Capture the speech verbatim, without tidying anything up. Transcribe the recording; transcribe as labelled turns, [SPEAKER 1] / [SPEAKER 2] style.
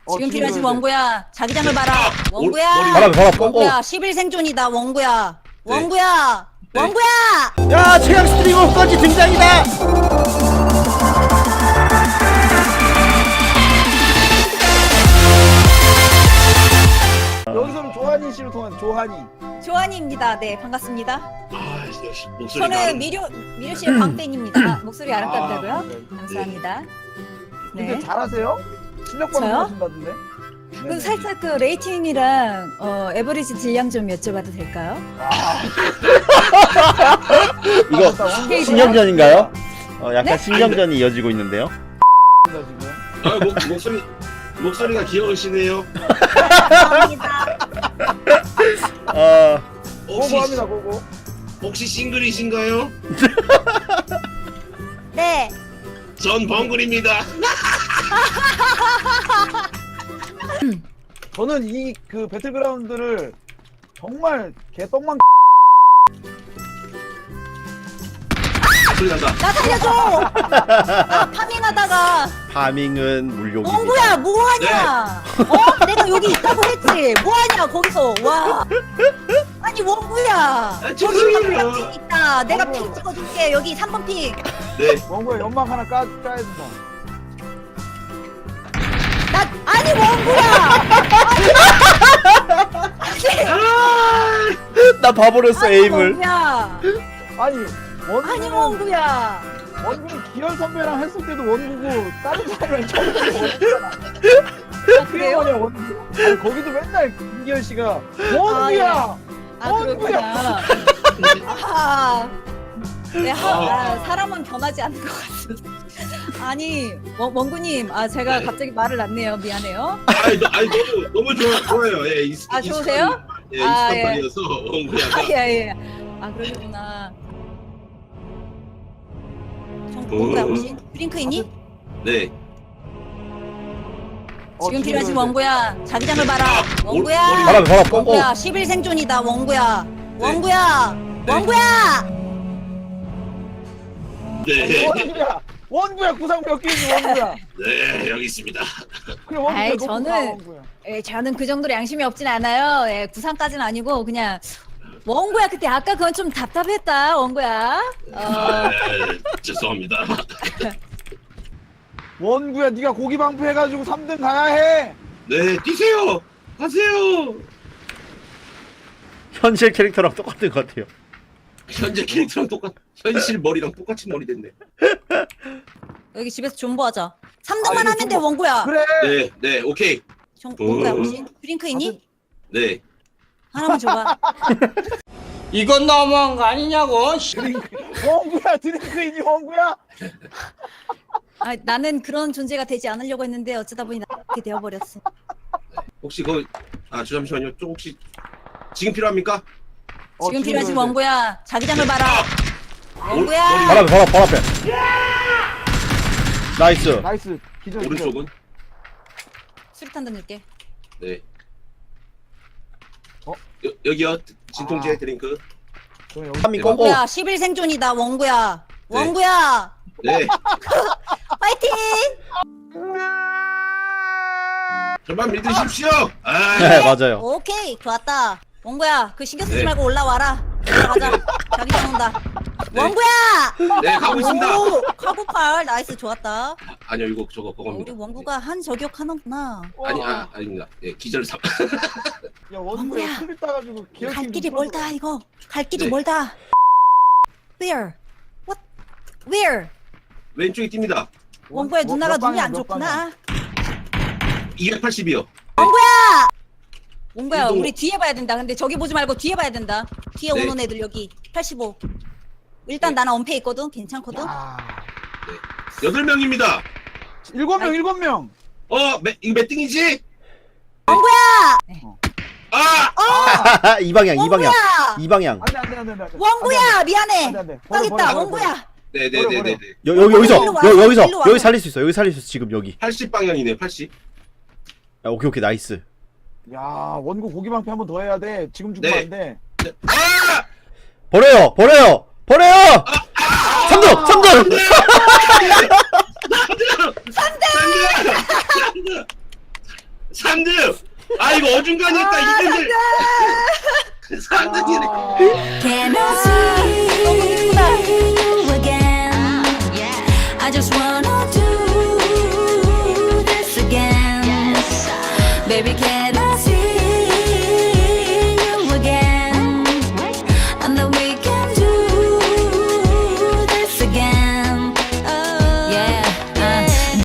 [SPEAKER 1] 어,
[SPEAKER 2] 지금
[SPEAKER 1] 지금
[SPEAKER 2] 필요하지
[SPEAKER 1] 그래야 돼.
[SPEAKER 2] 원구야. 자기장을 봐라. 원구야.
[SPEAKER 3] 바람 바람 뽕.
[SPEAKER 2] 원구야. 십일 생존이다 원구야.
[SPEAKER 4] 네.
[SPEAKER 2] 원구야.
[SPEAKER 4] 네.
[SPEAKER 2] 원구야.
[SPEAKER 3] 야 최강 스트리머까지 등장이다.
[SPEAKER 1] 여기서는 조한이 씨를 통한 조한이.
[SPEAKER 2] 조한이입니다. 네 반갑습니다.
[SPEAKER 4] 아 역시 목소리
[SPEAKER 2] 저는
[SPEAKER 4] 나는.
[SPEAKER 2] 미료 미료 씨의 광팬입니다. 목소리 아름답다고요?
[SPEAKER 1] 아, 네.
[SPEAKER 2] 감사합니다.
[SPEAKER 1] 근데
[SPEAKER 2] 네.
[SPEAKER 1] 잘하세요? 실력
[SPEAKER 2] 저요?
[SPEAKER 1] 방송하신다던데?
[SPEAKER 2] 그 살짝 그 레이팅이랑 어, 에버리지 질량 좀 여쭤봐도 될까요?
[SPEAKER 3] 이거 신경전인가요? 어 약간
[SPEAKER 2] 네?
[SPEAKER 3] 신경전이 이어지고 있는데요.
[SPEAKER 1] 지금.
[SPEAKER 4] 아 목, 목소리 목소리가 귀여우시네요.
[SPEAKER 2] 감사합니다.
[SPEAKER 3] 어
[SPEAKER 4] 혹시
[SPEAKER 1] 고고합니다 고고.
[SPEAKER 4] 혹시 싱글이신가요?
[SPEAKER 2] 네.
[SPEAKER 4] 전 벙글입니다.
[SPEAKER 1] 저는 이 그 배틀그라운드를 정말 개떡만
[SPEAKER 4] 소리 난다.
[SPEAKER 2] 나 살려줘. 아 파밍하다가
[SPEAKER 3] 파밍은 물욕입니다.
[SPEAKER 2] 원구야 뭐하냐? 어? 내가 여기 있다고 했지. 뭐하냐 거기서 와. 아니 원구야.
[SPEAKER 4] 아,
[SPEAKER 2] 저기
[SPEAKER 4] 죄송해요.
[SPEAKER 2] 핑 있다. 내가
[SPEAKER 1] 원구.
[SPEAKER 2] 핑 찍어줄게. 여기 삼 번 핑.
[SPEAKER 4] 네.
[SPEAKER 1] 원고에 연막 하나 까, 까야 된다.
[SPEAKER 2] 나 아니 원구야.
[SPEAKER 3] 나 봐버렸어
[SPEAKER 2] 아니
[SPEAKER 3] 에임을.
[SPEAKER 2] 원구야.
[SPEAKER 1] 아니 원고
[SPEAKER 2] 아니 원구야.
[SPEAKER 1] 원고는 기현 선배랑 했을 때도 원고고 다른 사람이랑 처음
[SPEAKER 2] 아,
[SPEAKER 1] 그래요?
[SPEAKER 2] 그래요?
[SPEAKER 1] 원고. 아니 거기도 맨날 김기현 씨가 원구야.
[SPEAKER 2] 아 그렇구나. 아, 네, 하, 아, 사람은 변하지 않는 것 같습니다. 아니 원, 원구님, 아 제가
[SPEAKER 4] 네.
[SPEAKER 2] 갑자기 말을 놨네요. 미안해요.
[SPEAKER 4] 아니, 너, 아니 너무 너무 좋아 좋아요. 예, 이,
[SPEAKER 2] 아, 좋으세요?
[SPEAKER 4] 예,
[SPEAKER 2] 아,
[SPEAKER 4] 익숙한
[SPEAKER 2] 예.
[SPEAKER 4] 말이어서 원구야가.
[SPEAKER 2] 예예. 아 그러구나. 정 원구야 혹시 드링크 있니?
[SPEAKER 4] 네.
[SPEAKER 1] 어,
[SPEAKER 2] 지금 필요하지
[SPEAKER 1] 지금
[SPEAKER 2] 원구야. 자기장을 봐라.
[SPEAKER 4] 아,
[SPEAKER 2] 원구야.
[SPEAKER 4] 머리-
[SPEAKER 3] 바람 바람 뽕.
[SPEAKER 2] 원구야. 십일 생존이다 원구야. 원구야.
[SPEAKER 4] 네.
[SPEAKER 2] 원구야.
[SPEAKER 4] 네.
[SPEAKER 1] 원구야. 원구야 구상 몇 개인지 원구야.
[SPEAKER 4] 네 여기 있습니다.
[SPEAKER 1] 그래 원구야.
[SPEAKER 2] 아이,
[SPEAKER 1] 놓고
[SPEAKER 2] 저는-
[SPEAKER 1] 가, 원구야.
[SPEAKER 2] 예, 저는 그 정도로 양심이 없진 않아요. 예, 구상까지는 아니고 그냥 원구야 그때 아까 그건 좀 답답했다 원구야. 어,
[SPEAKER 4] 아, 죄송합니다.
[SPEAKER 1] 원구야 네가 고기 방패 해가지고 삼 등 가야 해.
[SPEAKER 4] 네 뛰세요. 하세요.
[SPEAKER 3] 현실 캐릭터랑 똑같은 것 같아요.
[SPEAKER 4] 현재 캐릭터랑 똑같. 현실 머리랑 똑같이 머리 됐네.
[SPEAKER 2] 여기 집에서 존버하자. 삼 등만
[SPEAKER 1] 아, 이거
[SPEAKER 2] 하면 돼
[SPEAKER 1] 존버.
[SPEAKER 2] 원구야.
[SPEAKER 1] 그래.
[SPEAKER 4] 네, 네, 오케이.
[SPEAKER 2] 정, 원구야
[SPEAKER 4] 어.
[SPEAKER 2] 혹시 드링크 있니?
[SPEAKER 4] 네.
[SPEAKER 2] 하나만 줘봐.
[SPEAKER 5] 이건 너무한 거 아니냐고.
[SPEAKER 1] 원구야 드링크이니 원구야.
[SPEAKER 2] 아, 나는 그런 존재가 되지 않으려고 했는데 어쩌다 보니 그렇게 되어버렸어.
[SPEAKER 4] 혹시 그, 아, 저 잠시만요. 좀 혹시 지금 필요합니까?
[SPEAKER 1] 어,
[SPEAKER 2] 지금
[SPEAKER 1] 지금
[SPEAKER 2] 필요하지
[SPEAKER 1] 그래야 돼.
[SPEAKER 2] 원구야. 자기장을 봐라.
[SPEAKER 4] 오-
[SPEAKER 2] 원구야.
[SPEAKER 3] 바람 바람 바람 앞에. 나이스.
[SPEAKER 1] 나이스 기절 기절.
[SPEAKER 4] 오른쪽은?
[SPEAKER 2] 수류탄 던질게.
[SPEAKER 4] 네.
[SPEAKER 1] 어?
[SPEAKER 4] 여, 여기요. 진통제
[SPEAKER 1] 아.
[SPEAKER 4] 드링크.
[SPEAKER 1] 저 여기
[SPEAKER 3] 파밍 꽁꽁.
[SPEAKER 2] 원구야 십일 생존이다 원구야.
[SPEAKER 4] 네.
[SPEAKER 2] 원구야.
[SPEAKER 4] 네.
[SPEAKER 2] 파이팅.
[SPEAKER 4] 저만 믿으십시오. 아,
[SPEAKER 3] 네 맞아요.
[SPEAKER 2] 오케이 좋았다. 원구야 그 신경 쓰지
[SPEAKER 4] 네.
[SPEAKER 2] 말고 올라와라. 올라가자. 자기장 온다.
[SPEAKER 4] 네.
[SPEAKER 2] 원구야.
[SPEAKER 4] 네, 가고 있습니다.
[SPEAKER 2] 오, 카고팔 나이스 좋았다.
[SPEAKER 4] 아니요, 이거 저거
[SPEAKER 2] 어,
[SPEAKER 4] 그겁니다.
[SPEAKER 2] 우리 원구가 한 저격 하는구나.
[SPEAKER 4] 아니, 아, 아닙니다. 예, 기절 삼.
[SPEAKER 1] 야 원구야
[SPEAKER 2] 원구야.
[SPEAKER 1] 클립 따가지고 기억
[SPEAKER 2] 갈
[SPEAKER 1] 좀
[SPEAKER 2] 길이
[SPEAKER 1] 풀어줘.
[SPEAKER 2] 멀다 이거. 갈 길이
[SPEAKER 4] 네.
[SPEAKER 2] 멀다. Where? What? Where?
[SPEAKER 4] 왼쪽에 뜁니다.
[SPEAKER 2] 원구야
[SPEAKER 1] 뭐,
[SPEAKER 2] 누나가
[SPEAKER 1] 몇
[SPEAKER 2] 눈이
[SPEAKER 1] 방향,
[SPEAKER 2] 안
[SPEAKER 1] 몇 방향?
[SPEAKER 2] 좋구나.
[SPEAKER 4] 이백팔십이요.
[SPEAKER 2] 원구야
[SPEAKER 4] 이거-
[SPEAKER 2] 우리 뒤에 봐야 된다. 근데 저기 보지 말고 뒤에 봐야 된다. 뒤에
[SPEAKER 4] 네.
[SPEAKER 2] 오는 애들 여기 팔십오. 일단
[SPEAKER 4] 네.
[SPEAKER 2] 나는 엄폐 있거든. 괜찮거든.
[SPEAKER 1] 아,
[SPEAKER 4] 여덟 명입니다.
[SPEAKER 1] 일곱 명 일곱 명.
[SPEAKER 4] 어, 매, 이거 몇 등이지?
[SPEAKER 2] 원구야.
[SPEAKER 4] 아!
[SPEAKER 3] 이 방향 이 방향
[SPEAKER 2] 원구야.
[SPEAKER 3] 이 방향.
[SPEAKER 1] 안돼 안돼 안돼 안돼.
[SPEAKER 2] 원구야 미안해.
[SPEAKER 1] 안돼 안돼.
[SPEAKER 2] 딱 있다 원구야.
[SPEAKER 4] 네네네네.
[SPEAKER 3] 여, 여기 여기서
[SPEAKER 2] 일로 와,
[SPEAKER 3] 여, 여기서
[SPEAKER 2] 일로 와.
[SPEAKER 3] 여기 살릴 수 있어. 여기 살릴 수 있어 지금 여기.
[SPEAKER 4] 팔십 방향이네요, 팔십.
[SPEAKER 3] 야 오케이 오케이 나이스.
[SPEAKER 1] 야 원구 고기 방패 한 번 더 해야 돼. 지금 죽으면
[SPEAKER 4] 네.
[SPEAKER 1] 안 돼.
[SPEAKER 4] 아!
[SPEAKER 3] 버려요 버려요 버려요. 삼 등 삼 등.
[SPEAKER 4] 삼 등! 삼 등! 아, 이거 어중간했다, 이등들! 삼 등이네.
[SPEAKER 1] 아,